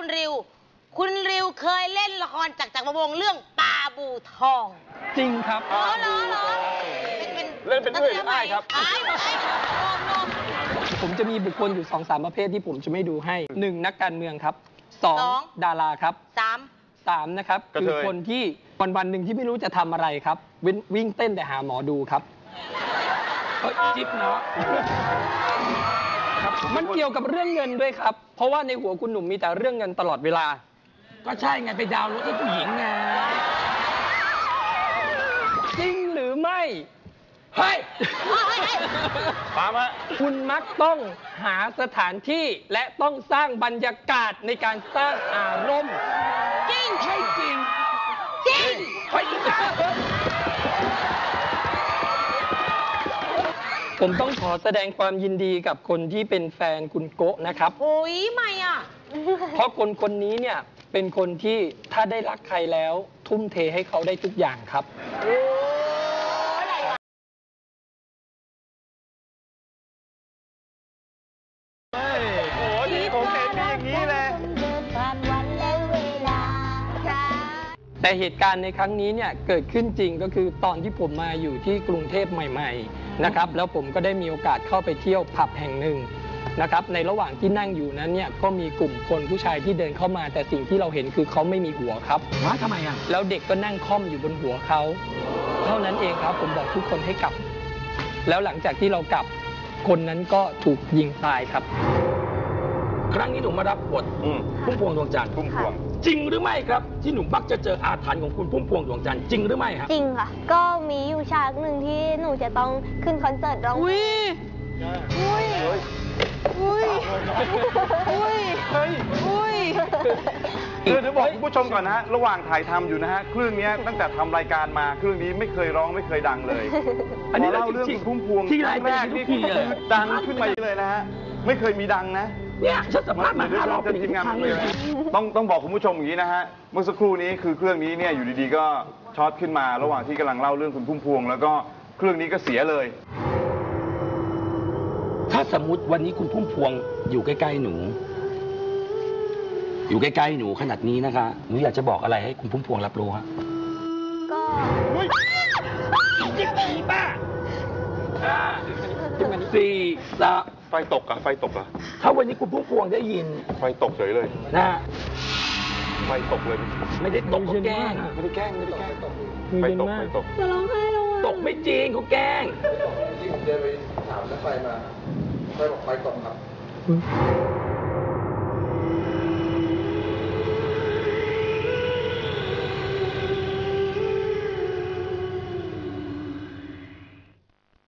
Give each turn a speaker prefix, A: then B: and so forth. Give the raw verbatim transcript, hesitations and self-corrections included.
A: คุณริวคุณริวเคยเล่นละครจากจักรวงศ์เรื่องปลาบูทอง
B: จริงครับ
A: อ๋อเหรอเหรอ
C: เล่นเป็นด้วยหรือไม่ครับ
B: ผมจะมีบุคคลอยู่สองสามประเภทที่ผมจะไม่ดูให้หนึ่งนักการเมืองครับสองดาราครับ
A: สาม
B: สามนะครับคือคนที่วันวันหนึ่งที่ไม่รู้จะทำอะไรครับวิ่งเต้นแต่หาหมอดูครับจิ๊บเนาะมันเกี่ยวกับเรื่องเงินด้วยครับเพราะว่าในหัวคุณหนุ่มมีแต่เรื่องเงินตลอดเวลาก็ใช่ไงไปดาวน์รถให้ผู้หญิงไงจริงหรือไม่เฮ้ย
C: ตามฮะ
B: คุณมักต้องหาสถานที่และต้องสร้างบรรยากาศในการสร้างอารมณ์
A: จริง
B: ใช่จริง
A: จริง
B: ไปอีกแล้วผมต้องขอแสดงความยินดีกับคนที่เป็นแฟนคุณโกะนะครับ
A: โอ้ยไม่อ่ะ
B: เพราะคนคนนี้เนี่ยเป็นคนที่ถ้าได้รักใครแล้วทุ่มเทให้เขาได้ทุกอย่างครับ
C: โอ้ยผมเห็นมีอย่างนี้เลย
B: แต่เหตุการณ์ในครั้งนี้เนี่ยเกิดขึ้นจริงก็คือตอนที่ผมมาอยู่ที่กรุงเทพใหม่ๆนะครับแล้วผมก็ได้มีโอกาสเข้าไปเที่ยวผับแห่งหนึ่งนะครับในระหว่างที่นั่งอยู่นั้นเนี่ยก็มีกลุ่มคนผู้ชายที่เดินเข้ามาแต่สิ่งที่เราเห็นคือเขาไม่มีหัวครับ
C: ว่าทำไมอ่ะ
B: แล้วเด็กก็นั่งค่อมอยู่บนหัวเขาเท่านั้นเองครับผมบอกทุกคนให้กลับแล้วหลังจากที่เรากลับคนนั้นก็ถูกยิงตายครับ
D: ครั้งนี้หนูมารับบทพุ่มพวงดวงจันทร์
C: พุ่มพวง
D: จริงหรือไม่ครับที่หนูมักจะเจออาถรรพ์ของคุณพุ่มพวงดวงจันทร์จริงหรือไม่ครับ
E: จริงค่ะก็มีอยู่ฉากหนึ่งที่หนูจะต้องขึ้นคอนเสิร์ตร้อง
A: อุ้ยอุ้ยอุ้ยอุ้ยอุ้ย
C: คือจะบอกคุณผู้ชมก่อนนะฮะระหว่างถ่ายทำอยู่นะฮะเครื่องนี้ตั้งแต่ทำรายการมาเครื่องนี้ไม่เคยร้องไม่เคยดังเลย
D: อันนี้
C: เล่าเรื่องคุณพุ่มพวง
D: ที่
C: แรกนี่คือดังขึ้นมาเลยนะฮะไม่เคยมีดังนะ
D: เนี่ยฉันสัมภาษณ์มาห้ารอบเป็น
C: ทีมงานเลยต้องต้องบอกคุณผู้ชมอย่างนี้นะฮะเมื่อสักครู่นี้คือเครื่องนี้เนี่ยอยู่ดีๆก็ช็อตขึ้นมาระหว่างที่กำลังเล่าเรื่องคุณพุ่มพวงแล้วก็เครื่องนี้ก็เสียเลย
D: ถ้าสมมุติวันนี้คุณพุ่มพวงอยู่ใกล้ๆหนูอยู่ใกล้ๆหนูขนาดนี้นะคะหนูอยากจะบอกอะไรให้คุณพุ่มพวงรับรู้ฮะ
E: ก็
D: จิ๊บผีป้าสี่สาม
C: ไฟตกอะไฟตกอะ
D: ถ้าวันนี้คุณพุ่มพวงได้ยิน
C: ไฟตกเฉยเลย
D: นะ
C: ไฟตกเลย
D: ไม่ได้ตกเขาแกล้ง
C: ไม่ได้แกล้งไม่ได้แกล้งไฟตกไฟตก
E: จะร้องไห้แล้ว
D: ตกไม่จริงเขาแกล้ง
F: ที่ผมเดินไปถามแล้วไฟมาไฟบอกไฟตกครับ